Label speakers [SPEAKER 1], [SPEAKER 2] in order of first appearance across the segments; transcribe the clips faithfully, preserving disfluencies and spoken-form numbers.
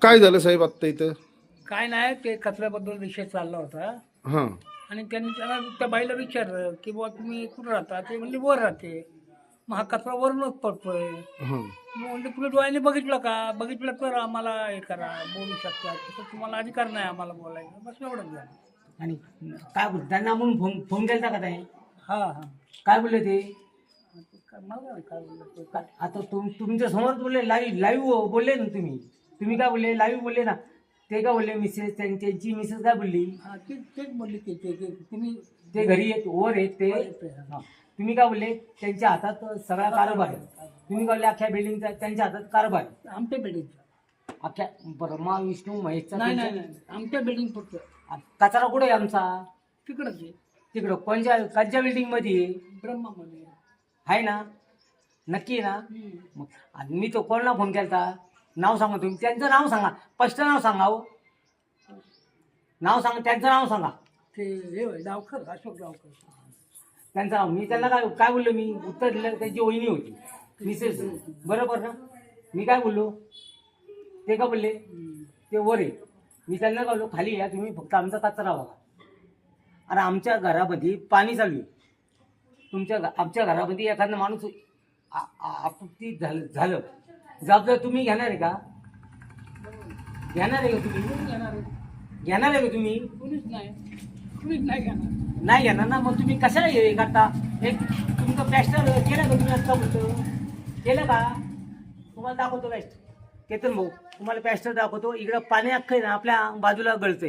[SPEAKER 1] काय झालं साहेब आत्ता इथं?
[SPEAKER 2] काय नाही, ते कचऱ्याबद्दल विषय चालला होता
[SPEAKER 1] हां
[SPEAKER 2] आणि त्यांनी त्याला त्या बाईला विचारलं की बुवा तुम्ही कुठं राहता? ते म्हणले वर राहते. मग हा कचरा वरूनच पडतोय.
[SPEAKER 1] हां
[SPEAKER 2] मग म्हणले तुम्ही डोळ्याने बघितलं का? बघितलं तर आम्हाला हे करा, बोलू शकता. तसं तुम्हाला अधिकार नाही आम्हाला बोलायचं. बस एवढंच झालं.
[SPEAKER 3] आणि काय बोल त्यांना म्हणून फोन फोन केला का ताई?
[SPEAKER 2] हां हां.
[SPEAKER 3] काय बोलले ते?
[SPEAKER 2] मला नाही काय बोललं ते.
[SPEAKER 3] का- आता तुम तुमच्या समोर बोलले, लाईव्ह लाईव्ह बोलले ना तुम्ही. तुम्ही काय बोलले? लाईव्ह बोलले ना. ते काय बोलले? मिसेस त्यांची मिसेस काय बोलली?
[SPEAKER 2] हां तेच तेच बोलले की ते ते- तुम्ही
[SPEAKER 3] ते घरी येत वर येत ते.
[SPEAKER 2] वर येते, हा.
[SPEAKER 3] हा. तुम्ही काय बोलले? त्यांच्या हातात सगळा कारभार आहे. तुम्ही काय बोलले? अख्ख्या बिल्डिंगचा त्यांच्या हातात कारभार आहे.
[SPEAKER 2] आमच्या बिल्डिंगचं
[SPEAKER 3] अख्ख्या ब्रह्मा विष्णू महेशचा
[SPEAKER 2] नाही नाही
[SPEAKER 3] त्यांच्या-
[SPEAKER 2] नाही आमच्या बिल्डिंग फक्त
[SPEAKER 3] कचरा कुठे आहे आमचा?
[SPEAKER 2] तिकडंच आहे,
[SPEAKER 3] तिकडं कोणत्या कोणत्या बिल्डिंग मध्ये आहे?
[SPEAKER 2] ब्रह्मामध्ये.
[SPEAKER 3] आहे ना? नक्की आहे ना?
[SPEAKER 2] हम्म.
[SPEAKER 3] मग आणि मी तो कोणाला फोन केला? नाव सांगा तुम्ही. त्यांचं नाव सांगा. स्पष्ट नाव सांगा हो. नाव सांगा. त्यांचं नाव सांगा.
[SPEAKER 2] ते हे होय, डावकर अशोक डावकर.
[SPEAKER 3] त्यांचं नाव. मी त्यांना काय काय बोललो? मी उत्तर दिलं. त्यांची वहिनी होती, मिसेस. बरोबर ना? मी काय बोललो? ते का बोलले?
[SPEAKER 2] हम्म.
[SPEAKER 3] ते वर आहे. मी त्यांना काय बोललो? खाली या तुम्ही, फक्त आमचा कचरा बघा. आणि आमच्या घरामध्ये पाणी चालू आहे. तुमच्या घ- आमच्या घरामध्ये एखादा माणूस आ- आ- आपत्ती झालं झालं जबाबदार तुम्ही घेणार आहे का? घेणार आहे का तुम्ही?
[SPEAKER 2] कोण घेणार आहे?
[SPEAKER 3] घेणार आहे का तुम्ही?
[SPEAKER 2] कुणीच नाही, कुणीच नाही घेणार.
[SPEAKER 3] नाही घेणार ना. मग तुम्ही कशाला हे करता? एक तुमचं प्लॅस्टर केलं का तुम्ही? आत्ता बोलतो केलं का? तुम्हाला दाखवतो प्लॅस्टर. केतन भाऊ तुम्हाला प्लॅस्टर दाखवतो. इकडं पाणी अख्खं आहे ना आपल्या बाजूला गळतंय.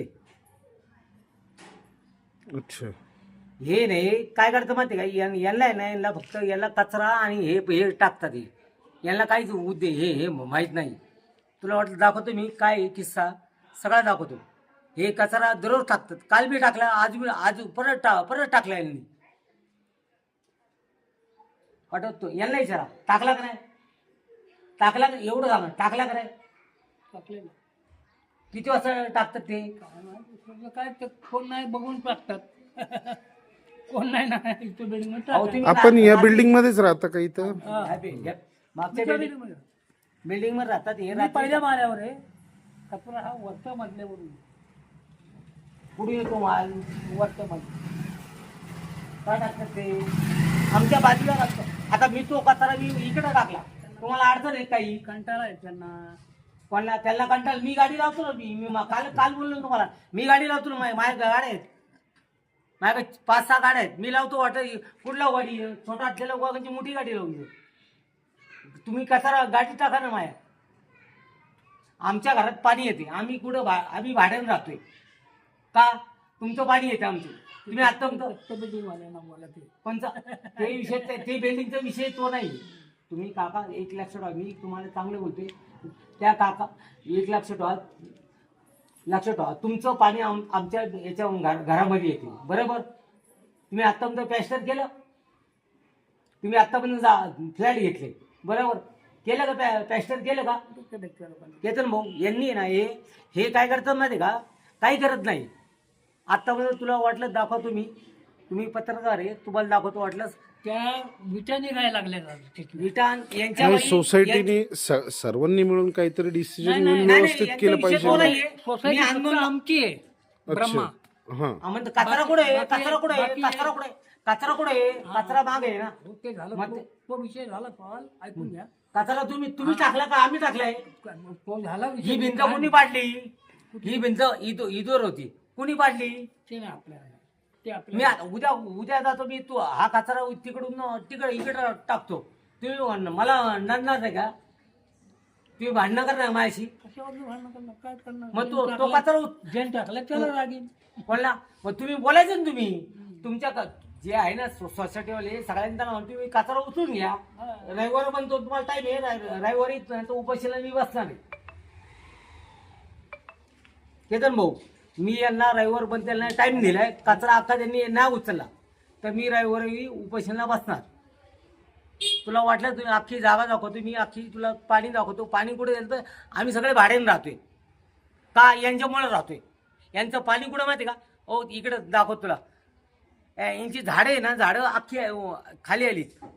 [SPEAKER 1] अच्छा.
[SPEAKER 3] हे नाही काय करतं माहिती का? यां- यांना आहे ना, यांना फक्त याला कचरा आणि हे हे टाकतात. हे यांना काहीच उद्दे हे हे माहीत नाही. तुला वाटलं दाखवतो मी काय आहे किस्सा? सगळा दाखवतो. हे कचरा दररोज टाकतात. काल बी टाकला, आज बी आज परत टा परत टाकला यांनी. पाठवतो यांना विचारा टाकला का नाही? टाकला का? एवढं सांगा टाकला का नाही?
[SPEAKER 2] टाकलेलं
[SPEAKER 3] किती वाजता टाकतात ते?
[SPEAKER 2] काय माहिती, तुझं काय ते कोण नाही बघून टाकतात. कोण नाही ना इथं बिल्डिंग
[SPEAKER 3] अहो, तुम्ही
[SPEAKER 1] आपण या
[SPEAKER 3] ना-
[SPEAKER 1] बिल्डिंग मध्येच राहता का इथं?
[SPEAKER 3] हा, बे- या- मागच्या बिल्डिंग
[SPEAKER 2] मध्ये
[SPEAKER 3] बिल्डिंग मध्ये राहतात हे
[SPEAKER 2] मी
[SPEAKER 3] राहतात.
[SPEAKER 2] पहिल्या माळ्यावर आहे. कचरा हा वरच्या मधल्यावरून
[SPEAKER 3] कुठून येतो माल?
[SPEAKER 2] वरच्या मधल्या.
[SPEAKER 3] काय टाकतात ते? आमच्या बाजूला टाकतात. आता मी तो कचरा मी इकडे टाकला, तुम्हाला अडचण आहे काही?
[SPEAKER 2] कंटाळा आहे त्यांना.
[SPEAKER 3] कोणाला त्यांना कंटाळ? मी गाडी लावतो ना. मी मी मा- काल काल बोललो ना तुम्हाला. मी गाडी लावतो ना. माझ्या माझ्या गाड्या आहेत. माझ्याकडे पाच सहा गाड्या आहेत. मी लावतो. वाटत कुठला गाडी छोटा असलेला वागांची मोठी गाडी लावून देऊ. तुम्ही कचरा गाडी टाका ना माझ्या. आमच्या घरात पाणी येते. आम्ही कुठं भा आम्ही भाड्यानं राहतोय का? तुमचं पाणी येते आमचं. तुम्ही आता
[SPEAKER 2] बिल्डिंग वाल्यांना बोला ते.
[SPEAKER 3] पण ते विषय ते- ते बिल्डिंगचा विषय तो नाही. तुम्ही काका एक लक्ष ठेवा. मी तुम्हाला चांगलं बोलतोय. त्या काका एक लक्ष ठेवा. लक्ष ठेवा तुमचं पाणी आम आमच्या याच्या घर- घरामध्ये येते. बरोबर? तुम्ही आत्तापर्यंत प्लॅस्टर केलं. तुम्ही आत्तापर्यंत जा फ्लॅट घेतले. बरोबर केलं का? प्लॅ प्लॅस्टर केलं का?
[SPEAKER 2] डोक्यात आहे त्या लोकांना.
[SPEAKER 3] केतन भाऊ यांनी ना हे हे काय करतात माहिती का? काही करत नाही. आत्तापर्यंत तुला वाटलं दाखवतो मी. तुम्ही पत्रकार आहे, तुम्हाला दाखवतो वाटलं.
[SPEAKER 2] त्या विटा निघायला लागल्या तिथून.
[SPEAKER 3] विटान यांच्या
[SPEAKER 1] नाही,
[SPEAKER 3] बाई-
[SPEAKER 1] सोसायटीने स- सर्वांनी मिळून काहीतरी डिसिजन
[SPEAKER 2] नाही,
[SPEAKER 1] घेऊन
[SPEAKER 2] नाही,
[SPEAKER 3] नाही,
[SPEAKER 1] व्यवस्थित
[SPEAKER 3] यांचा
[SPEAKER 1] केलं
[SPEAKER 3] विषय
[SPEAKER 1] पाहिजे
[SPEAKER 3] तो
[SPEAKER 1] ना.
[SPEAKER 3] नाहीये.
[SPEAKER 2] सोसायटी
[SPEAKER 3] मी
[SPEAKER 2] फक्त
[SPEAKER 3] आंदोलन
[SPEAKER 2] आमची आहे, ब्रह्मा.
[SPEAKER 1] अच्छा. हां
[SPEAKER 3] हा, म्हणतो कचरा कुठे आहे?
[SPEAKER 2] बाकी-
[SPEAKER 3] कचरा कुठे आहे?
[SPEAKER 2] बाकी-
[SPEAKER 3] कचरा कुठे आहे? कचरा कुठे आहे? कचरा माग आहे ना.
[SPEAKER 2] हो, ते झालं.
[SPEAKER 3] मग
[SPEAKER 2] तो
[SPEAKER 3] ते-
[SPEAKER 2] तो विषय झाला कॉल ऐकून घ्या.
[SPEAKER 3] कचरा तुम्ही तुम्ही टाकला का आम्ही टाकलाय?
[SPEAKER 2] तो झाला विषय.
[SPEAKER 3] ही भिंत कोणी पाडली? ही भिंत इथं इथवर होती. कुणी पाडली?
[SPEAKER 2] ते नाही आपल्या ते
[SPEAKER 3] मी
[SPEAKER 2] आपल्या
[SPEAKER 3] आता उद्या उद्या जातो मी. तू हा कचरा तिकडून तिकडे इकडे टाकतो. तुम्ही म्हण- मला नडणार नाही का? तुम्ही भांडणं करणार माझ्याशी?
[SPEAKER 2] कशावर भांडण करणार? काय करणार?
[SPEAKER 3] मग तो
[SPEAKER 2] ज्यांनी
[SPEAKER 3] तो
[SPEAKER 2] टाकलं-
[SPEAKER 3] कचरा उच-
[SPEAKER 2] ज्यांनी टाकलं त्याला रागीन.
[SPEAKER 3] बोलला. मग तुम्ही बोलायचं ना. तुम्ही तुमच्या क- जे आहे ना सो- सोसायटीवाले सगळ्यांना त्यांना म्हणतो तुम्ही कचरा उचलून घ्या.
[SPEAKER 2] हा.
[SPEAKER 3] रविवार पण तो तुम्हाला टाईम आहे. रवि- रविवारी तो उपाशीला मी बसणार आहे. केतन भाऊ मी यांना रविवार पण त्यांना टाइम दिलाय. कचरा अख्खा त्यांनी नाही उचलला तर मी रविवारी उपाशीला बसणार. तुला वाटलं तुम्ही अख्खी जागा दाखवतो मी. अख्खी तुला पाणी दाखवतो. पाणी कुठे गेलं तर आम्ही सगळे भाड्याने राहतोय का? यांच्यामुळे राहतोय. यांचं पाणी कुठं माहिती का? ओ इकडं दाखवतो तुला. यांची झाडं आहे ना, झाडं अख्खी खाली आली.